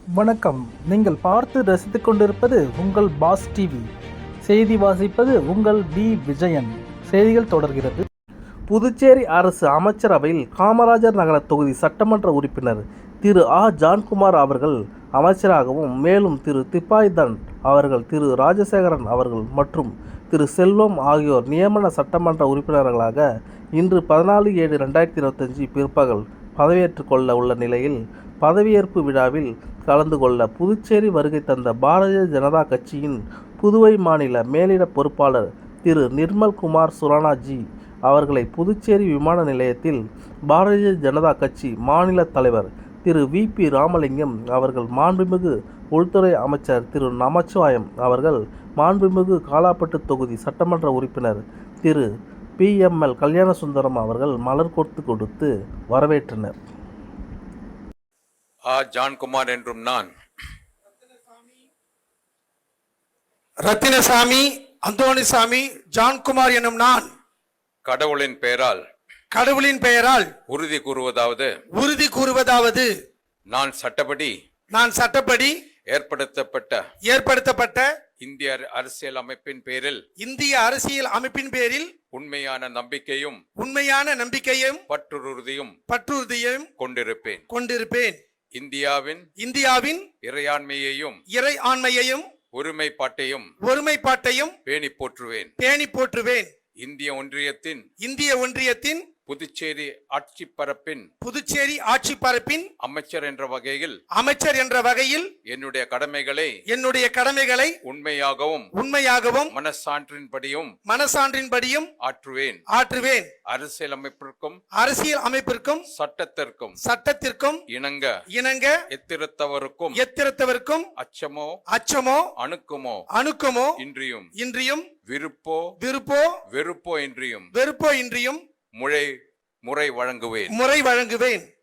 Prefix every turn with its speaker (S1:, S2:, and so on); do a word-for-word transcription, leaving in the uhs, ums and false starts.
S1: வணக்கம். நீங்கள் பார்த்து ரசித்துக் கொண்டிருப்பது உங்கள் பாஸ் டிவி. செய்தி வாசிப்பது உங்கள் பி விஜயன். செய்திகள் தொடர்கிறது. புதுச்சேரி அரசு அமைச்சரவையில் காமராஜர் நகர தொகுதி சட்டமன்ற உறுப்பினர் திரு ஆ ஜான்குமார் அவர்கள் அமைச்சராகவும், மேலும் திரு திப்பாய்தன் அவர்கள், திரு ராஜசேகரன் அவர்கள் மற்றும் திரு செல்வம் ஆகியோர் நியமன சட்டமன்ற உறுப்பினர்களாக இன்று பதினாலு ஏழு ரெண்டாயிரத்தி இருபத்தஞ்சு பிற்பகல் பதவியேற்றுக் கொள்ள உள்ள நிலையில், பதவியேற்பு விழாவில் கலந்து கொள்ள புதுச்சேரி வருகை தந்த பாரதிய ஜனதா கட்சியின் புதுவை மாநில மேலிட பொறுப்பாளர் திரு நிர்மல்குமார் சுரானாஜி அவர்களை புதுச்சேரி விமான நிலையத்தில் பாரதிய ஜனதா கட்சி மாநில தலைவர் திரு வி பி ராமலிங்கம் அவர்கள், மாண்புமிகு உள்துறை அமைச்சர் திரு நமச்சிவாயம் அவர்கள், மாண்புமிகு காலாப்பட்டு தொகுதி சட்டமன்ற உறுப்பினர் Thiru P M L Kalyanasundaram அவர்கள் மலர் கொத்து கொடுத்து வரவேற்றனர்.
S2: ஆ ஜான்குமார் என்றும் நான்
S3: ரத்தினசாமி அந்தோணிசாமி ஜான்குமார் எனும் நான்
S2: கடவுளின் பெயரால்
S3: கடவுளின் பெயரால்
S2: உறுதி கூறுவதாவது
S3: உறுதி கூறுவதாவது
S2: நான் சட்டப்படி
S3: நான் சட்டப்படி
S2: ஏற்படுத்தப்பட்ட
S3: ஏற்படுத்தப்பட்ட
S2: இந்திய அரசியல் அமைப்பின் பேரில்
S3: இந்திய அரசியல் அமைப்பின் பேரில்
S2: உண்மையான நம்பிக்கையும்
S3: உண்மையான நம்பிக்கையும்
S2: பற்றுறுதியும்
S3: பற்றுறுதியும்
S2: கொண்டிருப்பேன்
S3: கொண்டிருப்பேன்.
S2: இந்தியாவின்
S3: இந்தியாவின்
S2: இறையாண்மையையும்
S3: இறை ஆண்மையையும்
S2: ஒருமைப்பாட்டையும்
S3: ஒருமைப்பாட்டையும்
S2: பேணி போற்றுவேன்
S3: பேணி போற்றுவேன்.
S2: இந்திய ஒன்றியத்தின்
S3: இந்திய ஒன்றியத்தின்
S2: புதுச்சேரி ஆட்சி பரப்பின்
S3: புதுச்சேரி ஆட்சி பரப்பின்
S2: அமைச்சர் என்ற வகையில்
S3: அமைச்சர் என்ற வகையில்
S2: என்னுடைய கடமைகளை
S3: என்னுடைய கடமைகளை
S2: உண்மையாகவும்
S3: உண்மையாகவும்
S2: மனசான்றின்படியும்
S3: மனசான்றின்படியும்
S2: ஆற்றுவேன்
S3: ஆற்றுவேன்.
S2: அரசியல் அமைப்பிற்கும்
S3: அரசியல் அமைப்பிற்கும்
S2: சட்டத்திற்கும்
S3: சட்டத்திற்கும்
S2: இணங்க
S3: இணங்க
S2: எத்திருத்தவருக்கும்
S3: எத்திரத்தவருக்கும்
S2: அச்சமோ
S3: அச்சமோ
S2: அணுக்குமோ
S3: அணுக்கமோ
S2: இன்றியும்
S3: இன்றியும்
S2: விருப்போ
S3: விருப்போ
S2: வெறுப்போ இன்றியும்
S3: வெறுப்போ இன்றியும்
S2: முறை முறை வழங்குவேன்
S3: முறை வழங்குவேன்.